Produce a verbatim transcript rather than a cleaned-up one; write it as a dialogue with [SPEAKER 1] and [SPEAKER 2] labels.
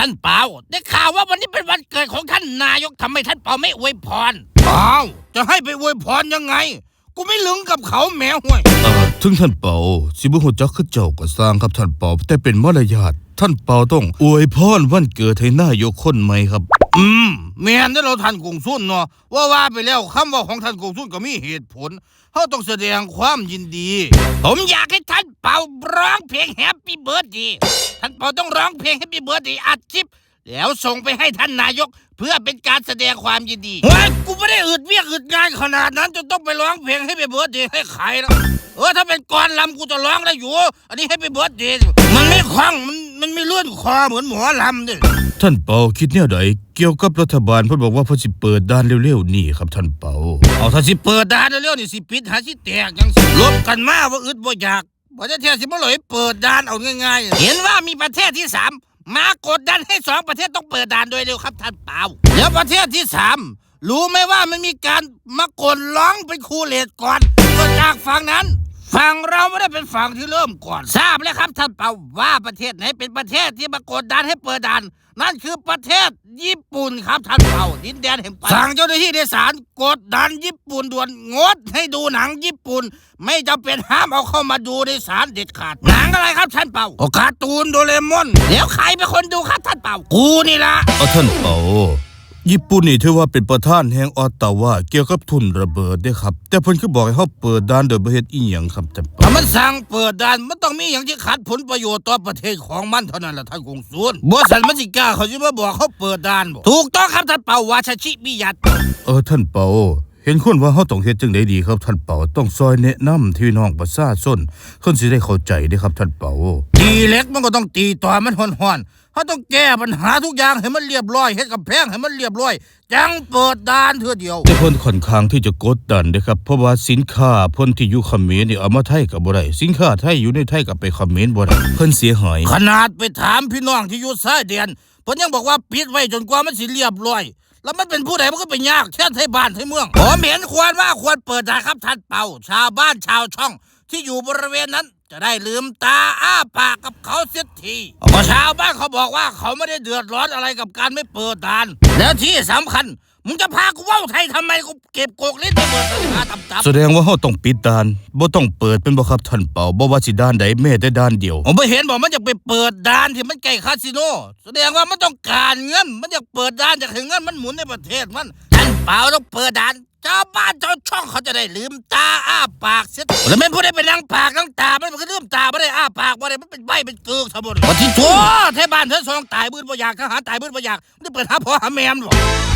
[SPEAKER 1] ท่านเปาได้ข่าวว่าวันนี้เป็นวันเกิดของท่านนายกทำไมท่านเปาไม่อวยพรอ้าวจะให้ไปอวยพรยังไงกูไม่ลึงกับเขาแมวห่วย
[SPEAKER 2] เอ่อถึงท่านเปาสิบ่ฮู้จักคือเจ้าก็สร้างครับท่านเปาแต่เป็นมารยาทท่านเปาต้องอวยพรวันเกิดให้นายกคนใหม่ครับ
[SPEAKER 1] อืมแม่นได้เราท่านกงสุนเนาะว่าว่าไปแล้วคำว่าของท่านกงสุนก็มีเหตุผลเขาต้องแสดงความยินดีผมอยากให้ท่านเปาร้องเพลงแฮปปี้เบิร์ดเดย์ท่านเปาต้องร้องเพลงแฮปปี้เบิร์ดเดย์อัดคลิปแล้วส่งไปให้ท่านนายกเพื่อเป็นการแสดงความยินดีเฮ้ยกูไม่ได้อึดเวียกอึดงานขนาดนั้นจนต้องไปร้องเพลงให้ไปเบิร์ดเดย์ให้ใครแล้วเออถ้าเป็นกรลำกูจะร้องได้อยู่อันนี้ให้ไปเบิร์ดเดย์มันไม่คล่องมันมันไม่เลื่อนคอเหมือนหมอลำดิ
[SPEAKER 2] ท่านเปาคิดแนวใดเกี่ยวกับรัฐบาลเพิ่นบอกว่าเพิ่นสิเปิดด่านเร็วๆนี่ครับท่านเปา
[SPEAKER 1] เอาถ้าสิเปิดด่านเร็วๆนี่สิปิดหาสิแตกจังสิลบกันมาว่าอึดบ่อยากบ่จะเที่ยวสิบ่เลยเปิดด่านเอาง่ายๆเห็นว่ามีประเทศที่สามมากดดันให้สองประเทศต้องเปิดด่านโดยเร็วครับท่านเปาแล้วประเทศที่สามรู้ไหมว่ามันมีการมากดร้องเป็นคูเลตก่อนก็จากฝั่งนั้นฝั่งเราไม่ได้เป็นฝั่งที่เริ่มก่อนทราบแล้วครับท่านเปาว่าประเทศไหนเป็นประเทศที่มากดดันให้เปิดด่านนั่นคือประเทศญี่ปุ่นครับท่านเปาดินแดนแห่งปสั่งเจ้าหน้าที่ในศาลกดดันญี่ปุ่นด่วนงดให้ดูหนังญี่ปุ่นไม่จำเป็นห้ามเอาเข้ามาดูในศาลเด็ดขาดหนังอะไรครับท่านเปาก็การ์ตูนโดเรมอนแล้วใครเป็นคนดูครับท่านเปากูนี่ละ
[SPEAKER 2] เอาท่านเปาญี่ปุ่นนี่ถือว่าเป็นประธานแห่งออตตาวาเกี่ยวกับทุนระเบิดเด้ครับแต่เพิ่นคือบอกให้เฮาเปิดด่านโดยบ่เฮ็ดอีหยังครับท่านเปา
[SPEAKER 1] ถ้ามันสั่งเปิดด่านมันต้องมีอย่างที่ขัดผลประโยชน์ต่อประเทศของมันเท่านั้นล่ะท่านกงสุลบ่ซั่นมันสิกล้าเขาสิมาบอกเขาเปิดด่านบ่ถูกต้องครับท่านเปาวาชชิมิยัต
[SPEAKER 2] เออท่านเปาเห็นคนว่าเฮาต้องเฮ็ดจังได๋ดีครับท่านเปาต้องซอยแนะนำที่น้องประชาชนเพิ่นสิได้เข้าใจเด้ครับท่านเปา
[SPEAKER 1] ตีเล็กมันก็ต้องตีต่อมันฮ้อนๆเขาต้องแก้ปัญหาทุกอย่างให้มันเรียบร้อยเฮ็ดกำแพงให้มันเรียบร้อยจังเปิดด่านเทื่อเดียว
[SPEAKER 2] แต่เพิ่นค่อนข้างที่จะกดดันเด้ครับเพราะว่าสินค้าเพิ่นที่อยู่เขมรนี่เอามาไทยก็บ่ได้สินค้าไทยอยู่ในไทยก็ไปเขมรบ่ได้เพิ่นเสียหาย
[SPEAKER 1] ขนาดไปถามพี่น้องที่อยู่ชายแดนเพิ่นยังบอกว่าปิดไว้จนกว่ามันสิเรียบร้อยแล้วมันเป็นผู้ใดมันก็ไปยากแท้ไทยบ้านไทยเมืองผมเห็นควรว่าควรเปิดด่านครับท่านเปาชาวบ้านชาวช่องที่อยู่บริเวณนั้นจะได้ลืมตาอ้าปากกับเขาเสียทีเพราะชาวบ้านเขาบอกว่าเขาไม่ได้เดือดร้อนอะไรกับการไม่เปิดด่านแล้วที่สำคัญมึงจะพากูเว้าไทยทำไมกูเก็บโกกลิ้นไปเปิดด่านต่ำๆ
[SPEAKER 2] แสดงว่าเฮาต้องปิดด่านบ่ต้องเปิดเป็นบ่ครับท่านเปาบ่ว่าสิด่านใดแม้แต่ด่านเดียว
[SPEAKER 1] ผมไม่เห็นบอกมันจะไปเปิดด่านที่มันใกล้คาสิโนแสดงว่ามันต้องการเงินมันอยากเปิดด่านอยากให้เงินมันหมุนในประเทศมันท่านเปาต้องเปิดด่านชาวบ้านชาวช่องเขาจะได้ลืมตาอ้าปากเสียแล้วไม่พูดได้เป็นนั่งปากนั่งตามันก็ลืมตาไม่ได้อ้าปากไม่ได้มันเป็นใบเป็นเกลือทั้งหมดวันที่ชั่วเทบ้านเทซองตายบื้นบ่อยากทหารตายบื้นบ่อยากมันจะเปิดหาพ่อหาแม่มันหรอ